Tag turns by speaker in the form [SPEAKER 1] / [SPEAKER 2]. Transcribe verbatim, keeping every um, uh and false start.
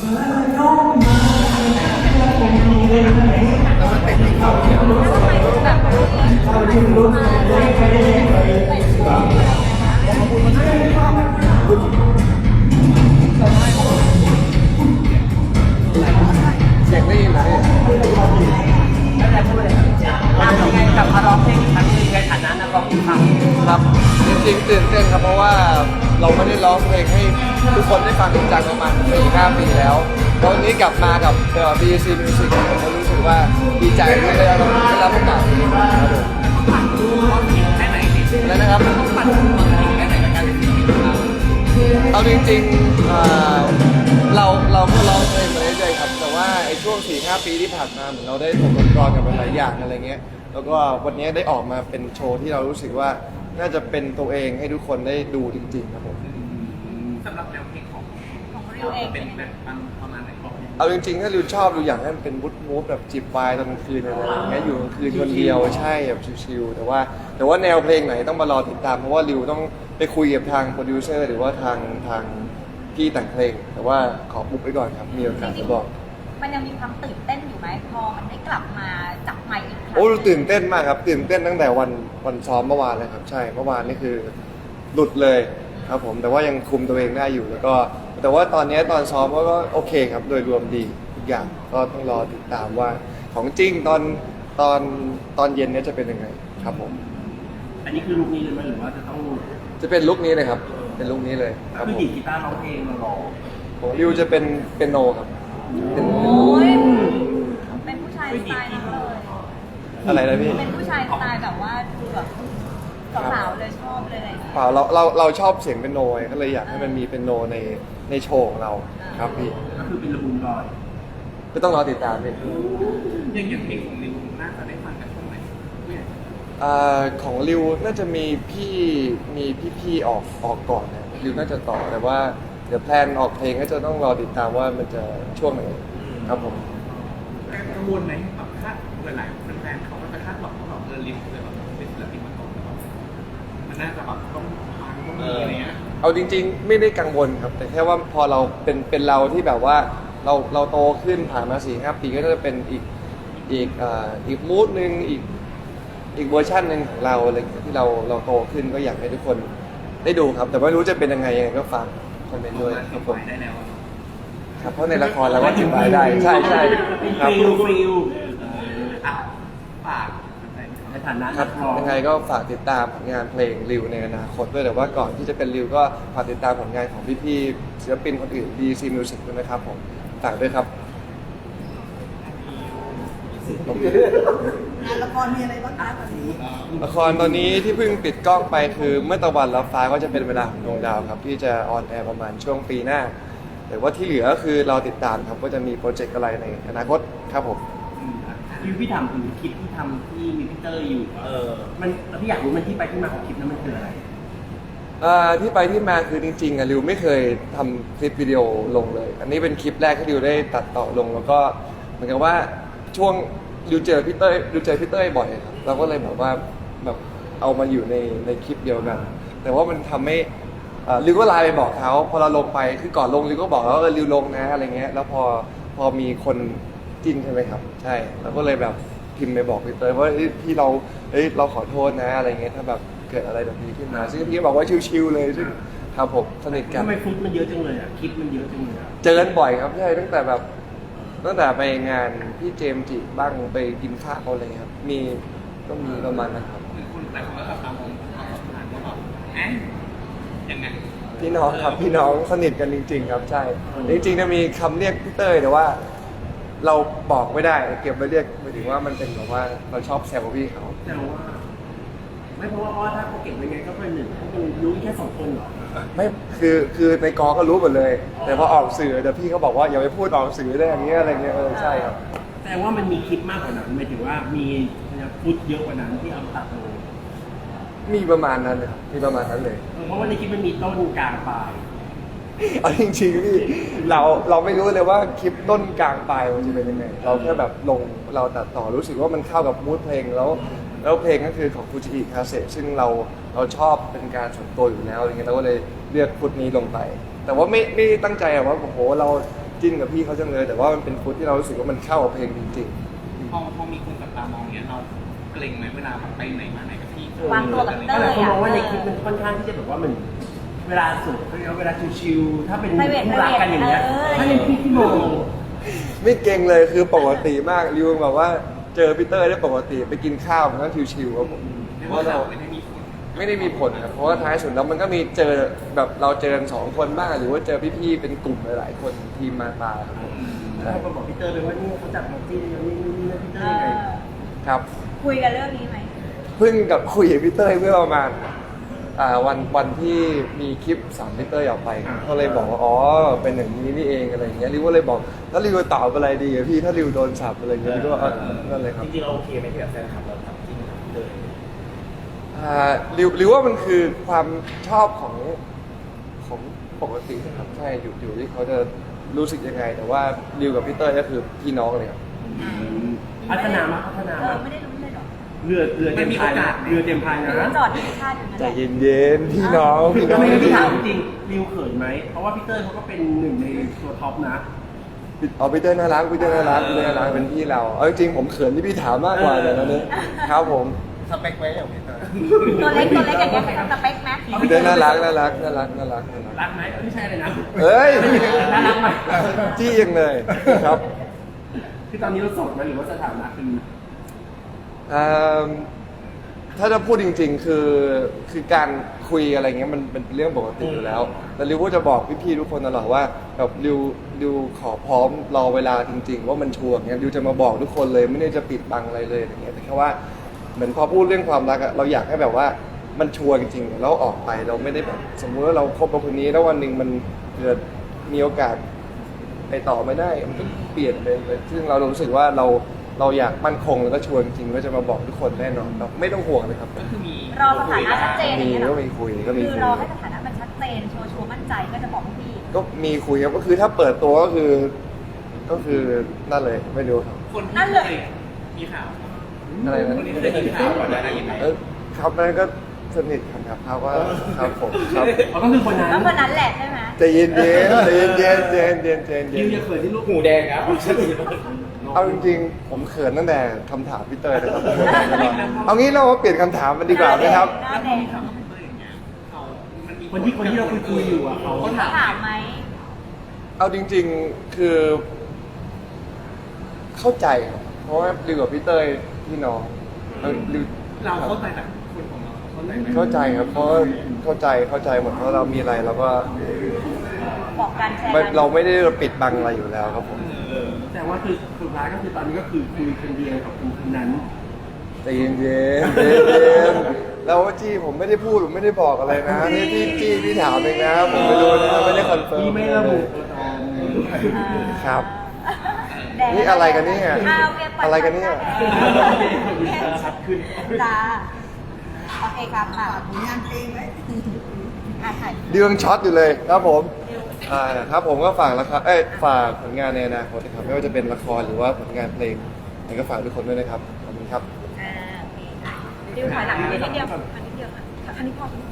[SPEAKER 1] เสียงได้ยินไหม
[SPEAKER 2] ยังไงกลับมาร้องเพลงอีกครั้งหนึงในฐานะนักร้องอีกครั้ง
[SPEAKER 1] ครับจริงๆตื่นเต้นครับเพราะว่าเราไม่ได้ร้องเพลงให้ทุกคนได้ฟังจริงจังประมาณสี่ห้าปีแล้วตอนนี้กลับมากับ บี ซี Music ผมก็รู้สึกว่าดีใจที่ได้รับได้รับโอกาสนี้ครับผม
[SPEAKER 2] แค่ไหนดิ
[SPEAKER 1] แล้วนะครับ
[SPEAKER 2] ปั่นแค่ไหนกับการเป็นศิลปินของเรา
[SPEAKER 1] เอาจริงๆเอ่อเราเราก็ร้องเพลงมาเรื่อยๆครับแต่ว่าไอ้ช่วง สี่ห้า ปีที่ผ่านมาเหมือนเราได้ถกตะกอนกับหลายอย่างอะไรเงี้ยแล้วก็วันนี้ได้ออกมาเป็นโชว์ที่เรารู้สึกว่าน่าจะเป็นตัวเองให้ทุกคนได้ดูจริงๆครับผม
[SPEAKER 2] สำหรับแนวเพลงของของเราเป็นแบบประมาณไหนของ
[SPEAKER 1] เอาจริงๆถ้าริวชอบริวอยากให้มันเป็นวูดมูฟแบบจิบไวน์ตอนกลางคืนอะไรอย่างเงี้ยอยู่กลางคืนคนเดียวใช่แบบชิลๆแต่ว่าแต่ว่าแนวเพลงไหนต้องมารอติดตามเพราะว่าริวต้องไปคุยกับทางโปรดิวเซอร์หรือว่าทางทางพี่แต่งเพลงแต่ว่าขอปุ๊บไว้ก่อนครับมีโอกาสจะบอก
[SPEAKER 3] มันยังมีความตื่นเต้นอยู่ไหมพอมันได้กลับมาจับไมค์อีกครั้ง
[SPEAKER 1] โอ้ตื่นเต้นมากครับตื่นเต้นตั้งแต่วันวันซ้อมเมื่อวานเลยครับใช่เมื่อวานนี่คือหลุดเลยครับผมแต่ว่ายังคุมตัวเองได้อยู่แล้วก็แต่ว่าตอนนี้ตอนซ้อมก็โอเคครับโดยรวมดีทุกอย่างก็ต้องรอติดตามว่าของจริงตอนตอนตอนเย็นนี้จะเป็นยังไงครับผม
[SPEAKER 2] อันนี้คือลุคนี้เลยไหมหรือว่าจะต้อง
[SPEAKER 1] จะเป็นลุคนี้เลยครับเป็นลุคนี้เลยครับผม
[SPEAKER 2] คือดีดกีตาร์ร้องเพลงมาหรอ
[SPEAKER 1] ของริวจะเป็นเป็นโนครับ
[SPEAKER 3] โอ้ยเป็นผู้ชายสไตล์นั้นเลย
[SPEAKER 1] อะไรนะพี่
[SPEAKER 3] เป็นผู้ชายสไตล์แบบว่าดูแบบสาวๆเลยชอบเลยอะไรอย่างเงี้ย
[SPEAKER 1] เปล่าเราเราเราชอบเสียงเป็นโนก็เลยอยากให้มันมีเป็นโนในในโชว์ของเราครับพี่
[SPEAKER 2] ก็คือเป็นระบุนลอย
[SPEAKER 1] ก็ต้องรอติดตามพี่
[SPEAKER 2] ยังอย่างเพลงของริวน่าจะได้ฟังกันช่วงไหน
[SPEAKER 1] อ่าของริวน่าจะมีพี่มีพี่ๆออกออกก่อนนะริวน่าจะต่อแต่ว่าเดี๋ยวแพลนออกเพลงก็จะต้องรอติดตามว่ามันจะช่วงไหนครับผม
[SPEAKER 2] กังวลไหมแบบคาดหลายๆแฟนๆเขาก็จะคาดหวังว่าแบบเออริวเลยแบบเป็นศิลปินมาก่อนมันน่าจะแบบต้องฟังต้องมีอะไรเงี้ย
[SPEAKER 1] เอาจริงๆไม่ได้กังวลครับแต่แค่ว่าพอเราเป็นเป็นเราที่แบบว่าเราเราโตขึ้นผ่านมาสี่ห้าปีก็จะเป็นอีกอีกอ่าอีกมูดหนึ่งอีกอีกเวอร์ชันหนึ่งของเราอะไรที่เราเราโตขึ้นก็อยากให้ทุกคนได้ดูครับแต่ไม่รู้จะเป็นยังไงยังไงก็ฟังคอมเมนต์ด้วยครับผมครับเพราะในละครเราก็จิบไว้ได้ใช่ใช่ครับ
[SPEAKER 2] ฟิลฟิลอ่ะฝากในฐานะครับ
[SPEAKER 1] ยังไงก็ฝากติดตามผลงานเพลงริวในอนาคตด้วยแต่ว่าก่อนที่จะเป็นริวก็ฝากติดตามผลงานของพี่ๆศิลปินคนอื่น บี ซี Music ด้วยนะครับผมฝากด้วยครับ
[SPEAKER 3] งานละครมีอะไรบ้างคะตอนนี้
[SPEAKER 1] ละครตอนนี้ที่เพิ่งปิดกล้องไปคือเมื่อตะวันรับฟ้าก็จะเป็นเวลาของดวงดาวครับที่จะออนแอร์ประมาณช่วงปีหน้าแต่ว่าที่เหลือก็คือเราติดตามครับว่าจะมีโปรเจกต์อะไรในอนาคตครับผม
[SPEAKER 2] พี่พี่ถามถึงคลิปที่ทำที่มีพี่เตอร์อยู่เออมันพี่อยากรู้มันที่ไปที่มาของคลิปนั้นมันคืออะไร
[SPEAKER 1] ที่ไปที่มาคือจริงๆอ่ะริวไม่เคยทำคลิปวิดีโอลงเลยอันนี้เป็นคลิปแรกที่ริวได้ตัดต่อลงแล้วก็เหมือนกับว่าช่วงริวเจอพี่เต้ยริวเจอพี่เต้ยบ่อยครับเราก็เลยแบบว่าแบบเอามาอยู่ในในคลิปเดียวกันแต่ว่ามันทำให้ริวก็ไลน์ไปบอกเขาพอเราลงไปคือก่อนลงริวก็บอกว่าเออริวลงนะอะไรเงี้ยแล้วพอพอมีคนจิ้นใช่ไหมครับใช่เราก็เลยแบบพิมพ์ไปบอกพี่เต้ยว่าพี่เราเฮ้ยเราขอโทษนะอะไรเงี้ยถ้าแบบเกิดอะไรแบบนี้ขึ้นมาซึ่งพี่บอกว่าชิวๆเลยซึ่งครับผมสนิทกัน
[SPEAKER 2] ทำไมฟุตมันเยอะจังเลยอ่ะคลิปมันเยอะจังเลย
[SPEAKER 1] เจอกันบ่อยครับใช่ตั้งแต่แบบตั้งแต่ไปงานพี่เจมส์จิบ้างไปกินข้าวอะไรครับมีก็มีประมาณนะครับ
[SPEAKER 2] คุณแต่ผมก็ตามองผ่านว่าแบบเอ๊ะยังไง
[SPEAKER 1] พี่น้องครับพี่น้องสนิทกันจริงๆครับใช่จริงๆจะมีคำเรียกพี่เต้ยแต่ว่าเราบอกไม่ได้เก็บไว้เรียกหมายถึงว่ามันเป็นแบบว่าเราชอบแซวพี่เขา
[SPEAKER 2] แต่ว่าไม่เพราะว่าถ้าเขาเก็บไว้ไงก็เป็นหนึ่งเขาเป็นรู้แค่สองคนเหรอ
[SPEAKER 1] ไม่คือคือในกอก็รู้หมดเลยแต่พอออกสื่อเดี๋ยวพี่เขาบอกว่าอย่าไปพูดออกสื่อได้อย่างเงี้ยอะไรเงี้ยเออใช่ครับ
[SPEAKER 2] แต่ว่ามันมีคลิปมากกว่านั้นหมายถึงว่ามีฟุตเยอะกว่านั้นที่เอาตัดลง
[SPEAKER 1] มีประมาณนั้นเลยมีประมาณนั้นเลย
[SPEAKER 2] เพราะว่าในคลิปมันมีต้นกลางปลาย
[SPEAKER 1] เอาจริงๆพี่เราเราไม่รู้เลยว่าคลิปต้นกลางปลายมันจะเป็นยังไงเราแค่แบบลงเราตัดต่อรู้สึกว่ามันเข้ากับมูดเพลงแล้วแล้วเพลงก็คือของฟูจิอิคาเซซึ่งเราเราชอบเป็นการส่วนตัวอยู่แล้วอะไรเงี้ยเราก็เลยเลือกฟุตนี้ลงไปแต่ว่าไม่ไม่ตั้งใจว่าโอ้โหเราจิ้นกับพี่เขาจังเลย แต่ว่ามันเป็นฟุตที่เรารู้สึกว่ามันเข้ากับเพลงจริง
[SPEAKER 2] พอพอมีคนจับตามองเนี้ยเราเกรงไหมเวลาไปไหนมาไหนกับพี่
[SPEAKER 3] วางตัวกับเต้
[SPEAKER 4] แต่
[SPEAKER 3] ย
[SPEAKER 4] คนมองว่าในคลิปมันค่อนข้างที่จะแบบว่ามันเวลาสุดเวลาชิวๆถ้าเป็นคู่รักกันอย่างเงี้ยถ้าเป็นพี่พี่โม
[SPEAKER 1] ๆ ไม่เก่งเลยคือปกติมากริวแบบว่าเจอพีเตอร์ได้ปกติไปกินข้าวมันก็ชิวๆครับผม
[SPEAKER 2] เรียก
[SPEAKER 1] เพ
[SPEAKER 2] ว่า
[SPEAKER 1] ราะ
[SPEAKER 2] เรา
[SPEAKER 1] เรา
[SPEAKER 2] ไม่ได้มีผล
[SPEAKER 1] ไม่ได้มีผลครับเพราะว่าท้ายสุดแล้วมันก็มีเจอแบบเราเจอกันสองคนบ้างหรือว่าเจอพี่ๆเป็นกลุ่มหลายๆคนทีมมาตาครับผม
[SPEAKER 4] แล้วเขาบอกพี่เตอร์เลยว่านี่เขาจับมาจี้อย่างนี้นี่นี่พี่เตอ
[SPEAKER 3] เอ
[SPEAKER 4] ร์ยังไง
[SPEAKER 3] อ
[SPEAKER 1] ครับ
[SPEAKER 3] คุยกันเรื่องนี้ไหม
[SPEAKER 1] เพิ่งกับคุยกับพี่เต้ยเมื่อประมาณอ่าวันวันที่มีคลิปสามพี่เต้ยออกไปเขาเลยบอกว่าอ๋อเป็นอย่างนี้นี่เองอะไรอย่างเงี้ยริวก็เลยบอกแล้วริวจะตอบอะไรดีอะพี่ถ้าริวโดนสับอะไรอย่างเงี้ยริวก็เออนั่นเลยครับ
[SPEAKER 4] จริงๆเราโอเคไหมที่แบบแฟนคลับเราทำจริงเลย
[SPEAKER 1] อ่าริวริวว่ามันคือความชอบของของปกตินะครับใช่อยู่อยู่ที่เขาจะรู้สึกยังไง แต่ว่าริวกับพี่เต้ยก็คือพี่น้องเลยครับ
[SPEAKER 4] พัฒนามาพัฒนา
[SPEAKER 3] เอ
[SPEAKER 4] มา
[SPEAKER 3] อไม่ได้รู้เลยเหรอ
[SPEAKER 4] เรือเรือเต็มพายนะเรือเต็มพาย
[SPEAKER 3] ห
[SPEAKER 4] นะ
[SPEAKER 3] รือว่าจอดที่ท่าอยู่นั่น
[SPEAKER 1] ใจ
[SPEAKER 3] แหละ
[SPEAKER 1] เย็นๆพี่น้องพี่น้
[SPEAKER 4] ก็
[SPEAKER 1] อง
[SPEAKER 4] ไม่ได้พี่ถามจริงริวเขินไหมเพราะว่าพี่เตอร์เขาก็เป็นหนึ่งในตัวท็อปนะ
[SPEAKER 1] เอาพีเตอร์น่ารักพีเตอร์น่ารักพีเตอร์น่ารักเป็นพี่เราเอาจริงๆผมเขินที่พี่ถามมากกว่าเลยนะเนี่ยครับผม
[SPEAKER 4] สเปคไว้อย่างพี่เตอร์
[SPEAKER 3] ตัวเล็กตัวเล็กอย่างเงี้ยเป็นสเปคไหม
[SPEAKER 1] พีเตอร์น่ารักน่ารักน่ารักน่ารักน่ารัก
[SPEAKER 4] รักไหมไม่ใช่เลยนะ
[SPEAKER 1] เอ้ย
[SPEAKER 4] น่ารักไหม
[SPEAKER 1] จี้ยังเลยครับ
[SPEAKER 4] คือตอนนี้เราโสดไหมหรือว่าสถานะคือ
[SPEAKER 1] เอิ่มถ้าจะพูดจริง ๆ คือคือการคุยอะไรเงี้ยมันเป็นเรื่องปกติอยู่แล้วแต่ริวก็จะบอกพี่ๆทุกคนตลอดว่าแบบริวริวขอพร้อมรอเวลาจริง ๆ ว่ามันชัวร์เงี้ยริวจะมาบอกทุกคนเลยไม่ได้จะปิดบังอะไรเลยอย่างเงี้ยแต่แค่ว่าเหมือนพอพูดเรื่องความรักอะเราอยากให้แบบว่ามันชัวร์จริงๆแล้วออกไปเราไม่ได้แบบสมมุติว่าเราคบกับคนนี้แล้ววันหนึ่งมันเกิดมีโอกาสไปต่อไม่ได้มันก็เปลี่ยนไปเลยซึ่งเรารู้สึกว่าเราเราอยากมั่นคงแล้วก็ชวนจริงๆก็จะมาบอกทุกคนแน่นอนครับไม่ต้องห่วงเลยครับ
[SPEAKER 2] ก็คือมี
[SPEAKER 3] รอสถานะชัดเจนอ
[SPEAKER 1] มี
[SPEAKER 3] ย่างเงี้ยเหร
[SPEAKER 1] ก็
[SPEAKER 3] อ
[SPEAKER 1] มีคุยก็มี
[SPEAKER 3] คือ
[SPEAKER 1] คุย
[SPEAKER 3] รอให้สถานะมันชัดเจนชัวร์ชัวร์มั่นใจก็จะบอกพี่
[SPEAKER 1] ก็มีคุยครับก็คือถ้าเปิดตัวก็คือ ก็คือนั่นเลยไม่รู้ครับ
[SPEAKER 2] คนที่
[SPEAKER 3] นั่นเลย
[SPEAKER 2] คมีข่าว
[SPEAKER 1] อะไรนะ
[SPEAKER 2] คนนี้เคยมีข่าวก่อนหน้านี้ไหม
[SPEAKER 1] เออครับนั่นก็สนิทกันครับเขาว่าครับผมครับ
[SPEAKER 4] เขาก็คือคนนั้น
[SPEAKER 3] แล้วคนนั้นแหละใช่ไหม
[SPEAKER 1] ใจเย็นๆใจเย็นๆใจเย็นๆใจเย็นๆใจ
[SPEAKER 4] ยิว
[SPEAKER 1] เย็
[SPEAKER 4] จะ
[SPEAKER 1] น
[SPEAKER 4] เขินที่ลูกหูแดงครับ
[SPEAKER 1] ๆเอาจริงๆผมเขินตั้งแต่คำถามพี่เตยนะครับเอางี้เรามาเปลี่ยนคำถามมันดีกว่าไหมครับ
[SPEAKER 3] หน้า
[SPEAKER 2] แล้ว
[SPEAKER 3] แด
[SPEAKER 2] พอง มีข่าวกับพี่เต้ยอย่างเงี้ยเขามันมี
[SPEAKER 4] คนที่คนที่เราคุยคุยอยู่อ่ะเขา
[SPEAKER 2] เขา
[SPEAKER 3] เขา
[SPEAKER 2] ถาม
[SPEAKER 3] ถามไหม
[SPEAKER 1] เอาจริง ๆคือ เข้าใจครับเพราะว่าริวกับพี่เตยพี่น้องเออริว
[SPEAKER 2] เราเข้าใจแต่คนของเราเข้าใจไหม
[SPEAKER 1] เข้าใจครับเพราะว่าเข้าใจเข้าใจหมดเพราะเรามีอะไรเราก็
[SPEAKER 3] บอกการแชร์
[SPEAKER 1] ไม่
[SPEAKER 3] กัน
[SPEAKER 1] เราไม่ได้ปิดบังอะไรอยู่แล้วครับผม
[SPEAKER 4] แต่ว่าคือสุดท้ายก็คือตอนนี้ก็คือคุยคนเดียวกับคนคนนั้น
[SPEAKER 1] ใจเย็นๆใจเย็นๆแล้วจี้ผมไม่ได้พูดผมไม่ได้บอกอะไรนะนี่พี่จี้พี่ถามเองนะผมไม่รู้นะไม่ได้คอนเฟิร์ม
[SPEAKER 4] พี่ไม่ระบุตัวตน
[SPEAKER 1] ครับ
[SPEAKER 3] แดง
[SPEAKER 1] นี่อะไรกันเนี่ย
[SPEAKER 3] อ้าวเวียปล่
[SPEAKER 1] อะไรกันเนี่ย
[SPEAKER 4] ชัดขึ้น
[SPEAKER 3] จ้าโอเคครับค่ะผลงานเพลงไหมอ่ะถ่าย
[SPEAKER 1] เดืองช็อตอยู่เลยครับผมอ่าครับผมก็ฝากละครเอ้ยฝากผลงานในอนาคตนะครับไม่ว่าจะเป็นละครหรือว่าผลงานเพลงยังไงก็ฝากทุกคนด้วยนะครับขอบคุณครับ
[SPEAKER 3] อ่าโอเคค่ะดิวถอยหลังนิดเดียวอันนิดเดียวค่ะอันนี้พอ